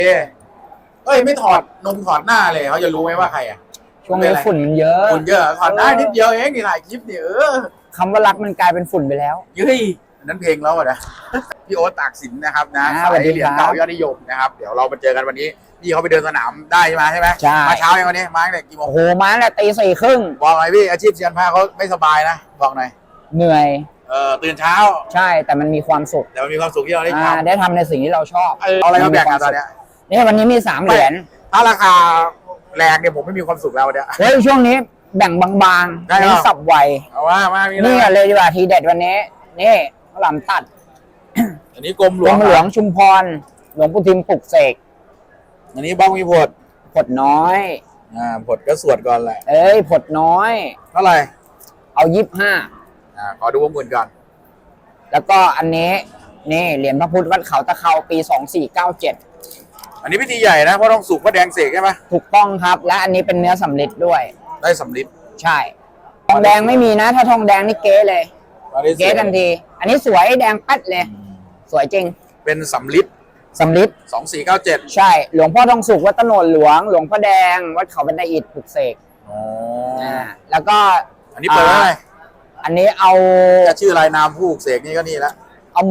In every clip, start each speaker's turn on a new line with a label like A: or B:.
A: เอ้ยไม่ถอดถอดหน้าเลยเขาจะรู้ไหมว่าใครอ่ะ
B: ช่วงนี้ฝุ่นมันเยอะ
A: ฝุ่นเยอะถอดได้นิดเดียวเองนี่ถ่ายคลิปเนี่ย
B: คำว่ารักมันกลายเป็นฝุ่นไปแล้ว
A: เฮ้ยนั้นเพลงแล้วนะพี่โอ๊ตตากสินนะครับนะสายเหรียญเก่ายอดนิยมนะครับเดี๋ยวเรามาเจอกันวันนี้พี่เขาไปเดินสนามได้ใช่ไหม
B: ใช่
A: มาเช้าอย่างวันนี้มาตั้งแต่กี่โมง
B: โอ้โหมาตั้งแต่ตี 4:30
A: บอกหน่อยพี่อาชีพเซียนผ้าเขาไม่สบายนะบอกหน่อย
B: เหนื่อย
A: ตื่นเช้า
B: ใช่แต่มันมีความสุข
A: แต่มันมีความสุขที่เราได้ทำ
B: ได้ทำในสิ่งที่เราชอบ
A: เอาอะไรมาแบ่งกันตอนเนี้ย
B: นี่วันนี้มี3 เหรียญ
A: ถ้าราคาแรงเนี่ยผมไม่มีความสุขแล้วเนี่ย
B: เฮ้ยช่วงนี้แบ่งบางๆนี่สับไว
A: เอาว่ามา
B: นี่เลยดีกว่าทีเด็ดวันนี้นี่ข้าวหลามตัด
A: อันนี้กรมหลวง
B: ชุมพรหลวงปู่ทิมปลุกเสก
A: อันนี้บ้องมี
B: ผดน้อย
A: ผดก็สวดก่อนแหละ
B: ผดน้อย
A: เท่าไหร่
B: เอา25
A: ขอดูวงเงินก่อน
B: แล้วก็อันนี้นี่เหรียญพระพุทธวัดเขาตะเขาปี2497
A: อันนี้พิธีใหญ่นะเพราะต้องสุกพระแดงเสกใช่ไหม
B: ถูกต้องครับและอันนี้เป็นเนื้อสำริดด้วย
A: ได้สำริด
B: ใช่ทองแดงไม่มีนะถ้าทองแดงนี่เก๊เลยเก๊ทันทีอันนี้สวยแดงปัดเลยสวยจริง
A: เป็นสำริด2497
B: ใช่หลวงพ่อทองสุกวัดตโนดหลวงหลวงพ่อแดงวัดเขาบันไดอิฐปลุกเสกแล้วก็
A: อันนี้เปิดอะไร
B: อันนี้เอา
A: จะชื่อรายนามผู้ปลุกเสกนี่ก็นี่ละ
B: เอา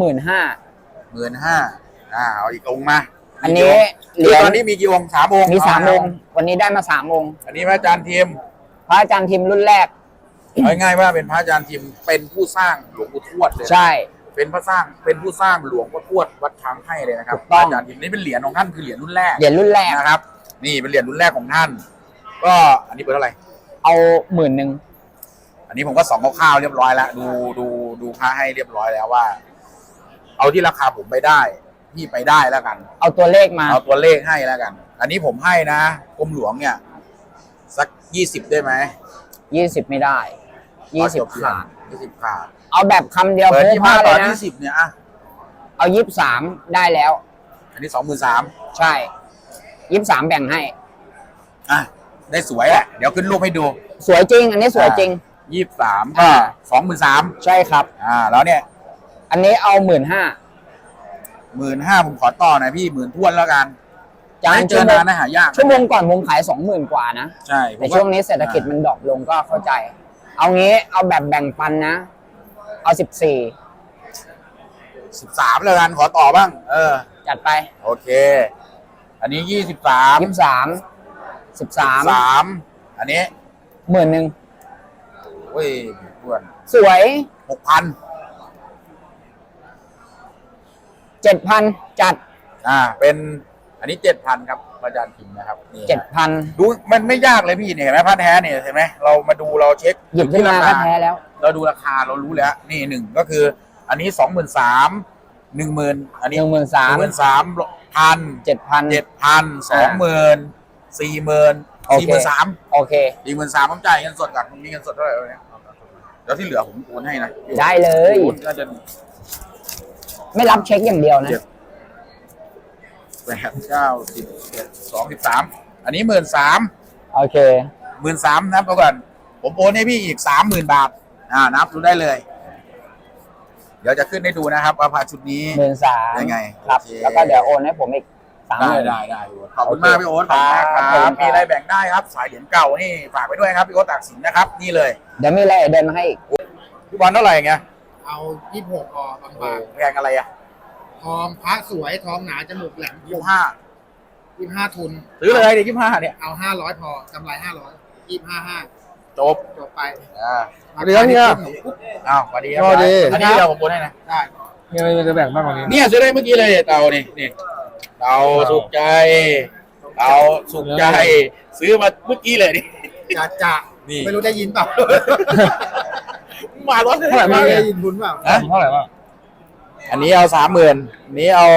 B: 15,000
A: เอาอีกองค์มา
B: อันนี้
A: เหรียญตอนนี้มีกี่องค์3 องค์
B: มี3 องค์วันนี้ได้มา3 องค์
A: อันนี้พระอาจารย์ทิม
B: รุ่นแรก
A: ง่ายๆว่าเป็นพระอาจารย์ทิมเป็นผู้สร้างหลวงปู่ทวดเลย
B: ใช่
A: เป็นผู้สร้างหลวงพ่อทวดวัดช้างให้เลยนะครับพระอาจารย์ทิมนี่เป็นเหรียญของท่านคือเหรียญรุ่นแรกนะครับนี่เป็นเหรียญรุ่นแรกของท่านก็อันนี้เปิดเท่าไหร่
B: เอา10,000
A: อันนี้ผมก็ส่องคร่าวๆเรียบร้อยแล้วดูพระให้เรียบร้อยแล้วว่าเอาที่ราคาผมไปได้พี่ไปได้แล้วกัน
B: เอาตัวเลขมา
A: เอาตัวเลขให้แล้วกันอันนี้ผมให้นะกรมหลวงเนี่ยสัก20ได้ไหม
B: 20ไม่ได้20ขาดเอาแบบคำเดียว
A: เปิด25ต่อ20เนี่ย
B: เอา23ได้แล้ว
A: อันนี้23,000
B: ใช่23แบ่งให้
A: ได้สวยอ่ะเดี๋ยวขึ้นรูปให้ดู
B: สวยจริงอันนี้สวยจริง
A: 23ก็23,000
B: ใช่ครับ
A: แล้วเนี่ย
B: อันนี้เอา
A: 15,000ผมขอต่อหน่อยพี่10,000ท้วนแล้วกันไม่เจอนานนะหายาก
B: ชั่วโมงก่อนผมขาย20,000 กว่านะ
A: ใช่
B: ในช่วงนี้เศรษฐกิจมันดรอปลงก็เข้าใจเอางี้เอาแบบแบ่งปันนะเอา
A: 13แล้วกันขอต่อบ้าง
B: จัดไป
A: โอเคอันนี้13อันนี้
B: 10,000
A: โอ้ยท้วน
B: สวย
A: 6,000
B: 7,000จัด
A: เป็นอันนี้ 7,000ครับอาจารย์ทิมนะครับนี่
B: 7,000
A: ดูมันไม่ยากเลยพี่เนี่ยเห็นไหมพระแท้เนี่ยเห็นไหมเรามาดูเราเช็ค
B: หยิบขึ้นมาพระแท้แล้ว
A: เราดูราคาเรารู้แล้วนี่1ก็คืออันนี้23,000 10,000อันนี้13,000 7,000 20,000 40,000
B: โอเค
A: 43,000ผมจ่ายเงินสดก่อนมีเงินสดเท่าไหร่เนี่ยแล้วที่เหลือผมโอนให้นะ
B: ได้เลยไม่รับเช็คอย่างเดียวนะ
A: 8 9 10 11 12 13อันนี้13,000
B: โอเค
A: 13,000นับก่อนผมโอนให้พี่อีก30,000 บาทนับดูได้เลยเดี๋ยวจะขึ้นให้ดูนะครับว่าพาชุดนี้
B: 13,000
A: ยังไง
B: ครับแล้วก็เดี๋ยวโอนให้ผมอีก30,000
A: ได้ขอบคุณมากพี่โอ๊ตครับมีอะไรแบ่งได้ครับสายเหรียญเก่านี่ฝากไปด้วยครับพี่โอ๊ตตากสินนะครับนี่เลย
B: เดี๋ยวมีอะไรเดินมาให้อีก
A: พี่บอลเท่าไหร่เงี้ย
C: เอา26พอบาง
A: ๆแพงอะไร
C: ทองพระสวยทองหนาจมูกแหลม25ทุน
A: ซื้อเลยดิ25เนี่ย
C: เอา500พอกำไร500 25.5
A: จบ
C: ไป
A: เรื่องเนี่ยสวัสดีครับอันนี้เราผมโอนให้นะ
C: ได้
A: มีอะไรจะแบ่งบ้างวันนี้เนี่ยซื้อได้เมื่อกี้เลยเตานี่เตาสุขใจซื้อมาเมื่อกี้เลยนี่
C: จ่าไม่รู้ได้ยินเปล่า
A: มาร้อนเท่าไหร่
C: ไม่ได้ยินคุณเปล่า
A: เท่าไหร่บ้างอันนี้เอา30,000อันนี้เอา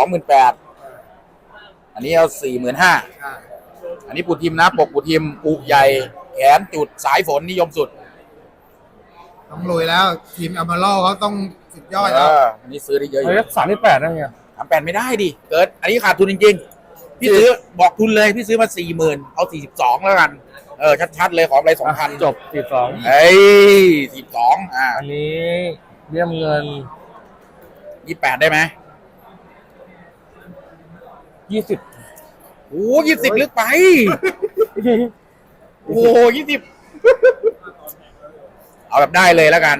A: 28,000อันนี้เอา45,000อันนี้ปูทิมนะปกปูทิมปูใหญ่แขนจุดสายฝนนิยมสุด
C: ต้องรวยแล้วทีมอัลมาโลเขาต้องสุดยอดแล้ว
A: อันนี้ซื้อได้เยอะ
B: อยู่38ได้ไง
A: 38ไม่ได้ดิเกิดอันนี้ขาดทุนจริงๆพี่ซื้อบอกทุนเลยพี่ซื้อมา40,000เอา42แล้วกันชัดๆเลยขออะไร2,000
B: จบ42
A: 42
B: อันนี้เรียมเงิน
A: 28ได้ไหม
B: 20
A: โอ้20ลึกไปโอ้20เอาแบบได้เลยแล้วกัน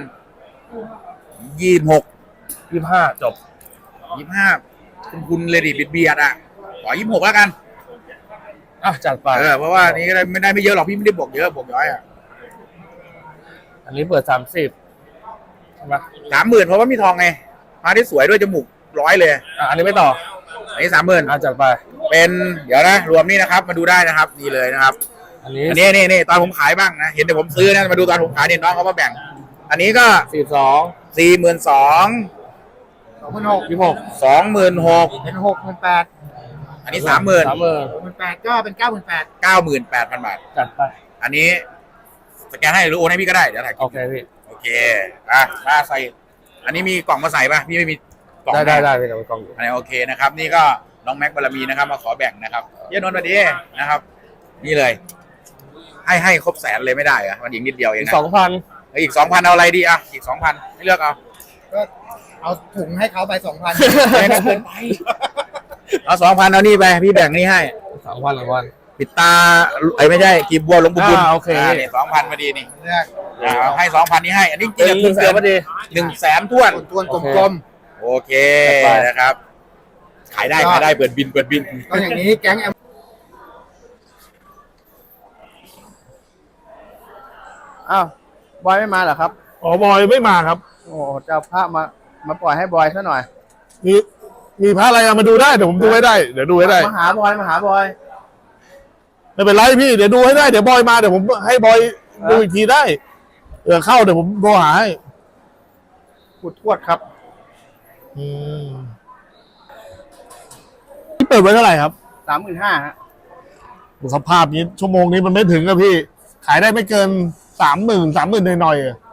A: 26
D: 25จบ
A: 25คุณเลยดิเบียดอ่ะขอ26แล้วกัน
D: อ่ะจัดไป
A: เพราะว่านี้ก็ไม่ได้ไม่เยอะหรอกพี่ไม่ได้บวกเยอะบวกน้อยอ่ะ
D: อันนี้เปิด30ใช่ไหม
A: 30,000เพราะว่ามีทองไงมาที่สวยด้วยจมูก100เลย
D: อันนี้ไม่ต่อ
A: อันนี้30,000
D: อ่ะจัดไป
A: เป็นเดี๋ยวนะรวมนี่นะครับมาดูได้นะครับนี่เลยนะครับ
D: อันนี้
A: อันนี้นี่ตอนผมขายบ้างนะเห็นแต่ผมซื้อนะมาดูตอนผมขายเนี่ยน้องเขามาแบ่ง อันนี้ก็
D: 42
A: 42,000
C: 26,000
A: 26,000
C: เป็น68,000
A: อันนี้ 30,000
C: 68,000ก็เป็น98,000
A: 98,000 บาท
D: จัดไป
A: อันนี้สแกนให้หรือโอนให้พี่ก็ได้เดี๋ยวถ่าย
D: โอเคพี่
A: โอเคมาใส่อันนี้มีกล่องมาใส่ป่ะพี่ไม่มีกล่อง
D: ได้
A: ให้
D: พี่เดี๋ยวไปกองอยู่
A: อันนี้โอเคนะครับนี่ก็น้องแม็กบารมีนะครับมาขอแบ่งนะครับเยนนท์มาดีนะครับ นี่เลย ให้ครบแสนเลยไม่ได้เหรอะมันอีกนิดเดียวเอง
D: อีก
A: นะ
D: 2,000
A: อีก 2,000เอาอะไรดีอ่ะอีก 2,000ให้เลือกเอา
C: ก็เอาถุงให้เขาไป 2,000
A: ไม่เกินไปเอา 2,000เอานี่ไปพี่แบ่งนี่ให้
D: 2,000
A: ปิดตาไม่ใช่กีบบัวหลวงปู่บุญ
D: โอเค
A: นี่2,000มาดีนี่
C: เลือก
A: ให้ 2,000นี่ให้อันนี้จริงๆ
D: เสือพอดี
A: 100,000ท้วน
C: ทวนกลม
A: โอเคนะครับ ขายได้เปิดบิน
C: ๆก็อย่างนี้แก๊งแอม อ้าวบอยไม่มาเหรอครับ
D: อ๋อบอยไม่มาครับ
C: โอ้จะเอาพระมาปล่อยให้บอยซะหน่อย
D: มีพระอะไรมาดูได้เดี๋ยวผมดูให้ได้ เดี๋ยวดูให้ได้
C: มาหาบอย
D: ไม่เป็นไรพี่เดี๋ยวดูให้ได้เดี๋ยวบอยมาเดี๋ยวผมให้บอยดูอีกทีได้เข้าเดี๋ยวผมโทรหาให้
C: ขุดทวดครับ
D: ที่เปิดไว้เท่าไหร่ครับ
C: 35,000 ฮะ
D: สภาพนี้ชั่วโมงนี้มันไม่ถึงอะพี่ ขายได้ไม่เกิน30,000หน่อยๆอะ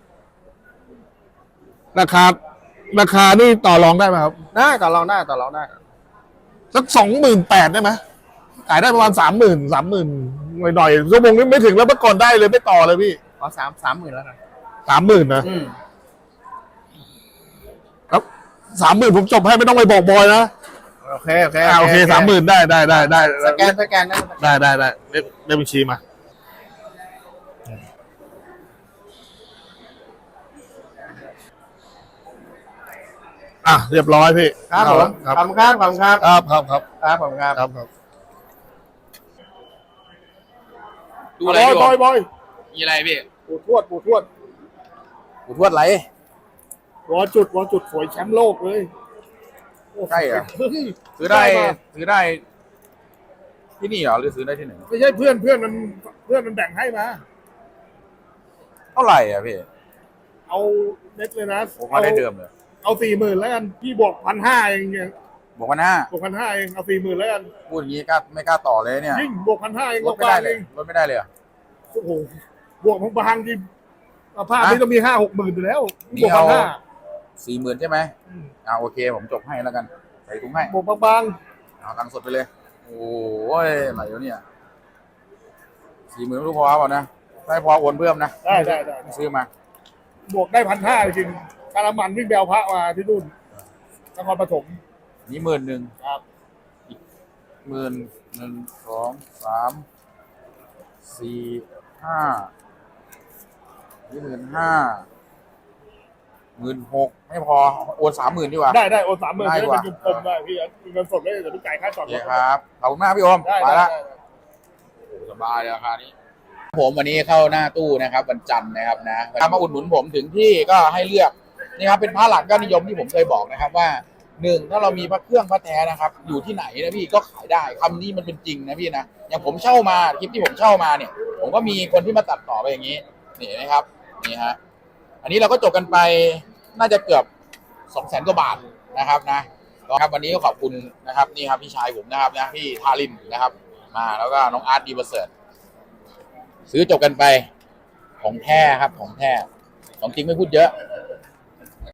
D: ราคานี่ต่อรองได้ไหมครับ
C: ได้ต่อรองได้
D: สัก28,000ได้ไหมขายได้ประมาณ30,000หน่อยๆชั่วโมงนี้ไม่ถึงแล้วเมื่อก่อนได้เลยไม่ต่อเลยพี่
C: เอา30,000แล้วกัน
D: 30,000นะครับ30,000ผมจบให้ไม่ต้องไปบอกบอยนะ
C: โอเค
D: โอเค30,000ได้
C: สแกนได้
D: ได้เลขบัญชีมาเรียบร้อยพี่
C: ครับผม
D: ครับ
C: ขอบคุณครับ
D: ครับ
C: ครับผมครับ
A: ดูอะไร
D: บอย
A: มีอะไรพี่
D: ปู่ทวด
A: ปู่ทวดไร
D: วอจุดสวยแชมป์โลกเลย
A: ใช่เหรอ ซื้อได้ที่นี่เหรอหรือซื้อได้ที่ไหน
D: ไม่ใช่เพื่อนมันแบ่งให้มา
A: เท่าไหร่อ่ะพี่
D: เอาเน็ตเลยนะ
A: ผมมาได้เดิมเลย
D: เอา40,000แล้วกันพี่บวก1,500เองเนี่ย
A: บอกว่าหน้า
D: บวก1,500เองเอา40,000แล้วกัน
A: พูดอย่างนี้ไม่กล้าต่อเลยเนี่ย
D: ยิ่งบวก1,500เอง
A: ลดไม่ได้เลยลดไม่ได้เลยเหรอ
D: โอ้โหบวกบางที่ภาพนี้ต้องมี5-6หมื่นอยู่แล้ว
A: นี่
D: บวก
A: เอา
D: 1,500
A: 40,000ใช่ไหมโอเคผมจบให้แล้วกันใส่ถุงให้
D: บวกบาง
A: เอาตังค์สดไปเลยโอ้ยไหลแล้วเนี่ย40,000ไม่รู้พอเปล่านะไม่พอโอนเพิ่มนะ
D: ๆได้
A: ซื้อมา
D: บวกได้1,500จริงๆการมันวิ่งแบวพระมาที่นู่นนครปฐม
A: นี่10,000
D: ครับ
A: อีก1 2 3 4 5นี่15,000 ไม่พอโอน30,000ดีกว่า
D: ได้โอน30,000
A: ได้
D: ได้
A: กว่า
D: เป็นกลมๆได้พี่เงินสดได้เดี๋ยวพี่จ่ายค่าจอ
A: โอ
D: ด
A: เค
D: รถ
A: ครับขอบคุณมากพี่โอม
D: ได้
A: ไปละโอ้สบายเลยราคานี้ผมวันนี้เข้าหน้าตู้นะครับวันจันทร์นะครับนะถ้ามาอุดหนุนผมถึงที่ก็ให้เลือกนี่ครับเป็นพระหลักยอดนิยมที่ผมเคยบอกนะครับว่า1ถ้าเรามีพระเครื่องพระแท้นะครับอยู่ที่ไหนนะพี่ก็ขายได้คำนี้มันเป็นจริงนะพี่นะอย่างผมเช่ามาคลิปที่ผมเช่ามาเนี่ยผมก็มีคนที่มาตัดต่อไปอย่างนี้นี่นะครับนี่ฮะอันนี้เราก็จบกันไปน่าจะเกือบ200,000 กว่าบาทนะครับนะครับวันนี้ก็ขอบคุณนะครับนี่ครับพี่ชายผมนะครับนะพี่ทารินนะครับมาแล้วก็น้องอาร์ตดีประเสริฐซื้อจบกันไปของแท้ครับของแท้ของจริงไม่พูดเยอะ